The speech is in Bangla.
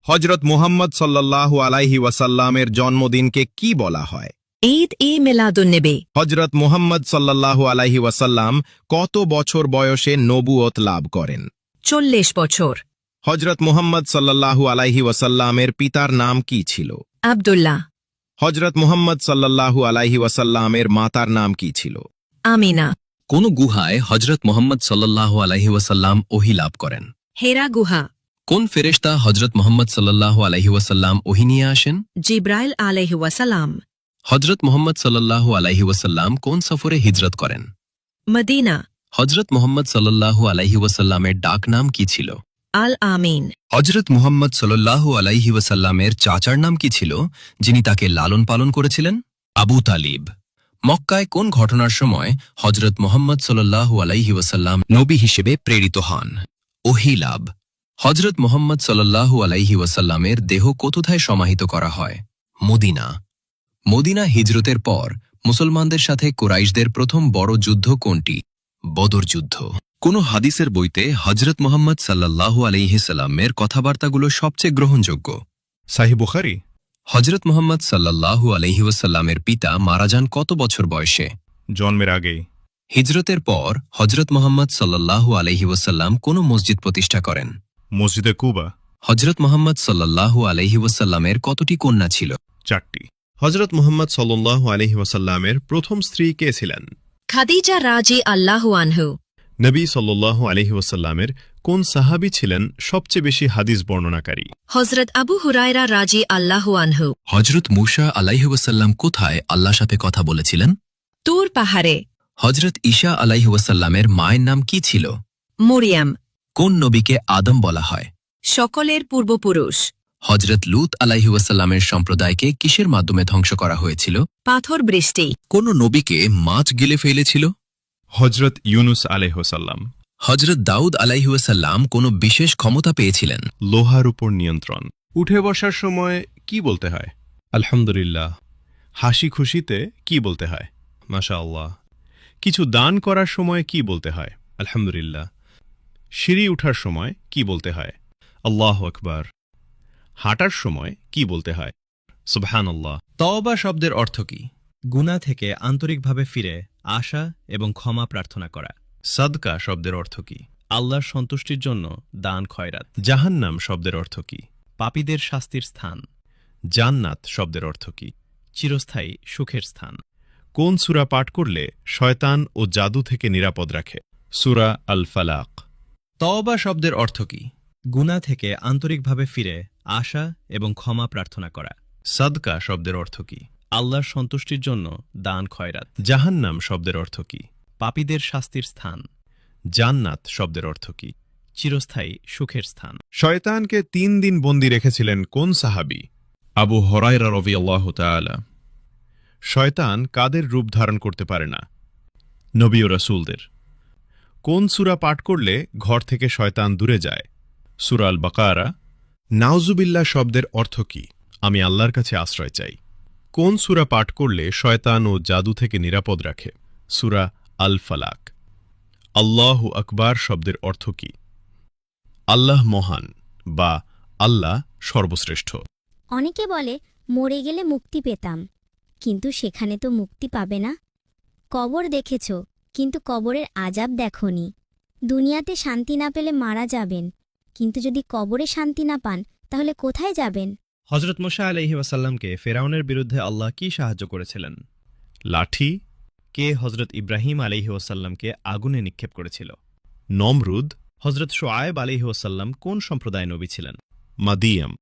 হজরত মুহাম্মদ সাল্লাল্লাহু আলাইহি ওয়াসাল্লামের জন্মদিনকে কি বলা হয়? ঈদ-ই-মিলাদুন্নবী। হজরত মুহাম্মদ সাল্লাল্লাহু আলাইহি ওয়াসাল্লাম কত বছর বয়সে নবুয়ত লাভ করেন? 40 বছর। হজরত মুহাম্মদ সাল্লাল্লাহু আলাইহি ওয়াসাল্লামের পিতার নাম কি ছিল? আব্দুল্লাহ। হজরত মুহাম্মদ সাল্লাল্লাহু আলাইহি ওয়াসাল্লামের মাতার নাম কি ছিল? আমিনা। কোন গুহায় হজরত মোহাম্মদ সাল্লাল্লাহু আলাইহি ওয়াসাল্লাম ওহী লাভ করেন? হেরা গুহা। কোন ফেরেশতা হজরত মোহাম্মদ সাল্লাল্লাহু আলাইহি ওয়াসাল্লাম ওহী নিয়ে আসেন? জিব্রাইল আলাইহি ওয়াসাল্লাম। হজরত মোহাম্মদ সাল্লাল্লাহু আলাইহি ওয়াসাল্লাম কোন সফরে হিজরত করেন? মদিনা। হজরত মোহাম্মদ সাল্লাল্লাহু আলাইহি ওয়াসাল্লামের ডাক নাম কি ছিল? আল আমিন। হজরত মুহাম্মদ সাল্লাল্লাহু আলাইহি ওয়াসাল্লামের চাচার নাম কি ছিল, যিনি তাকে লালন পালন করেছিলেন? আবু তালিব। মক্কায় কোন ঘটনার সময় হজরত মুহাম্মদ সাল্লাল্লাহু আলাইহি ওয়াসাল্লাম নবী হিসেবে প্রেরিত হন? ওহী লাভ। হজরত মুহাম্মদ সাল্লাল্লাহু আলাইহি ওয়াসাল্লামের দেহ কোথায় সমাহিত করা হয়? মদিনা। মদিনা হিজরতের পর মুসলমানদের সাথে কুরাইশদের প্রথম বড় যুদ্ধ কোনটি? বদর যুদ্ধ। কোন হাদিসের বইতে হজরত মুহাম্মদ সাল্লাল্লাহু আলাইহি সাল্লামের কথাবার্তাগুলো সবচেয়ে গ্রহণযোগ্য? সাহিহ বুখারী। হজরত মুহাম্মদ সাল্লাল্লাহু আলাইহি ওয়াসাল্লামের পিতা মারা যান কত বছর বয়সে? জন্মের আগেই। হিজরতের পর হজরত মুহাম্মদ সাল্লাল্লাহু আলাইহি ওয়াসাল্লাম কোন মসজিদ প্রতিষ্ঠা করেন? মসজিদে কুবা। হজরত মুহাম্মদ সাল্লাল্লাহু আলাইহি ওয়াসাল্লামের কতটি কন্যা ছিল? 4টি। হজরত মুহাম্মদ সাল্লাল্লাহু আলাইহি ওয়াসাল্লামের প্রথম স্ত্রী কে ছিলেন? খাদিজা রাজি আল্লাহু আনহু। নবী সাল্লাল্লাহু আলাইহি ওয়াসাল্লামের কোন সাহাবী ছিলেন সবচেয়ে বেশি হাদিস বর্ণনাকারী? হজরত আবু হুরায়রা রাজি আল্লাহু আনহু। হজরত মূসা আলাইহি ওয়াসাল্লাম কোথায় আল্লাহর সাথে কথা বলেছিলেন? তুর পাহাড়ে। হজরত ঈসা আলাইহি ওয়াসাল্লামের মায়ের নাম কি ছিল? মরিয়াম। কোন নবীকে আদম বলা হয়? সকলের পূর্বপুরুষ। হজরত লূত আলাইহি ওয়াসাল্লামের সম্প্রদায়কে কিসের মাধ্যমে ধ্বংস করা হয়েছিল? পাথর বৃষ্টি। কোন নবীকে মাছ গিলে ফেলেছিল? হজরত ইউনুস আলাইহিসসালাম। হজরত দাউদ আলাইহি ওয়াসাল্লাম কোন বিশেষ ক্ষমতা পেয়েছিলেন? লোহার উপর নিয়ন্ত্রণ। উঠে বসার সময় কি বলতে হয়? আলহামদুলিল্লাহ। হাসি খুশিতে কি বলতে হয়? মাশাআল্লাহ। কিছু দান করার সময় কি বলতে হয়? আলহামদুলিল্লাহ। সিঁড়ি উঠার সময় কি বলতে হয়? আল্লাহু আকবার। হাঁটার সময় কি বলতে হয়? সুবহানাল্লাহ। তওবা শব্দের অর্থ কি? গুনাহ থেকে আন্তরিকভাবে ফিরে আসা এবং ক্ষমা প্রার্থনা করা। সাদকা শব্দের অর্থ কি? আল্লাহর সন্তুষ্টির জন্য দান খয়রাত। জাহান্নাম শব্দের অর্থ কি? পাপীদের শাস্তির স্থান। জান্নাত শব্দের অর্থ কি? চিরস্থায়ী সুখের স্থান। কোন সূরা পাঠ করলে শয়তান ও জাদু থেকে নিরাপদ রাখে? সূরা আল ফালাক। তওবা শব্দের অর্থ কি? গুনাহ থেকে আন্তরিকভাবে ফিরে আসা এবং ক্ষমা প্রার্থনা করা। সাদকা শব্দের অর্থ কি? আল্লাহর সন্তুষ্টির জন্য দান খয়রাত। জাহান্নাম শব্দের অর্থ কি? পাপীদের শাস্তির স্থান। জান্নাত শব্দের অর্থ কি? চিরস্থায়ী সুখের স্থান। শয়তানকে 3 দিন বন্দী রেখেছিলেন কোন সাহাবী? আবু হুরায়রা রাদিয়াল্লাহু তাআলা। শয়তান কাদের রূপ ধারণ করতে পারে না? নবী ও রাসূলদের। কোন সূরা পাঠ করলে ঘর থেকে শয়তান দূরে যায়? সূরা আল বাকারা। নাউজুবিল্লাহ শব্দের অর্থ কি? আমি আল্লাহর কাছে আশ্রয় চাই। কোন সূরা পাঠ করলে শয়তান ও জাদু থেকে নিরাপদ রাখে? সূরা আল ফালাক। আল্লাহু আকবার শব্দের অর্থ কি? আল্লাহ মহান বা আল্লাহ সর্বশ্রেষ্ঠ। অনেকে বলে মরে গেলে মুক্তি পেতাম, কিন্তু সেখানে তো মুক্তি পাবে না। কবর দেখেছ, কিন্তু কবরের আযাব দেখনি। দুনিয়াতে শান্তি না পেলে মারা যাবেন, কিন্তু যদি কবরে শান্তি না পান তাহলে কোথায় যাবেন? হজরত মূসা আলাইহি ওয়াসাল্লামকে ফেরাউনের বিরুদ্ধে আল্লাহ কি সাহায্য করেছিলেন? লাঠি। কে হজরত ইব্রাহিম আলাইহি ওয়াসাল্লামকে আগুনে নিক্ষেপ করেছিল? নমরুদ। হজরত শোয়েব আলাইহি ওয়াসাল্লাম কোন সম্প্রদায় নবী ছিলেন? মাদিয়াম।